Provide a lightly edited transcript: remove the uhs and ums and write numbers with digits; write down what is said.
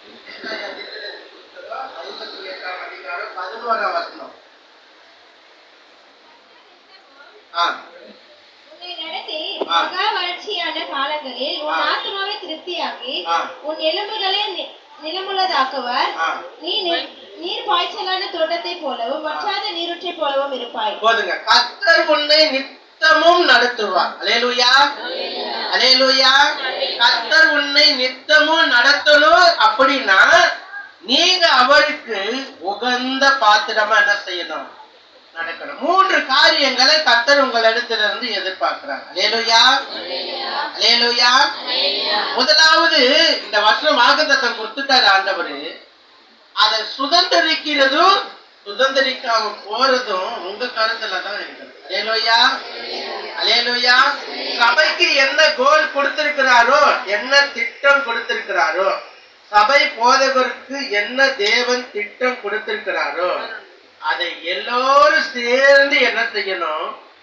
உன்னை நடத்தி மகா வறட்சியான காலங்களில் உன் ஆத்மாவை திருப்தியாக்கி உன் எலும்புகளை நிலமுள்ளதாக்குவார். நீ நீர் பாய்ச்சலான தோட்டத்தை போலவும் வற்றாத நீரூற்றை போலவும் இருப்பாய். போதுங்க. கர்த்தர் உன்னை நித்தமும் நடத்துவார். அல்லேலூயா, அல்லேலூயா. கர்த்தர் உன்னை நித்தமும் நடத்தணும் அப்படின்னா நீங்க அவருக்கு உகந்த பாத்திரமா என்ன செய்யணும்? நடக்கணும். 3 காரியங்களை கர்த்தர் உங்களிடத்திலிருந்து எதிர்பார்க்கிறாங்க. அல்லேலூயா, அல்லேலூயா. முதலாவது, இந்த வருஷம் வாக்குத்தத்தம் கொடுத்துட்டாரு ஆண்டவரு. அதை சுதந்திரிக்கிறதும் சுதந்திரிக்காம போறதும் உங்க கருத்துல தான் இருக்குது. அல்லேலூயா, அல்லேலூயா. சபைக்கு என்ன கோல் கொடுத்திருக்கிறாரோ, என்ன திட்டம் கொடுத்திருக்கிறாரோ, சபை போதகருக்கு என்ன தேவன் திட்டம் கொடுத்திருக்கிறாரோ, அதை எல்லோரும் சேர்ந்து என்ன செய்யணும்?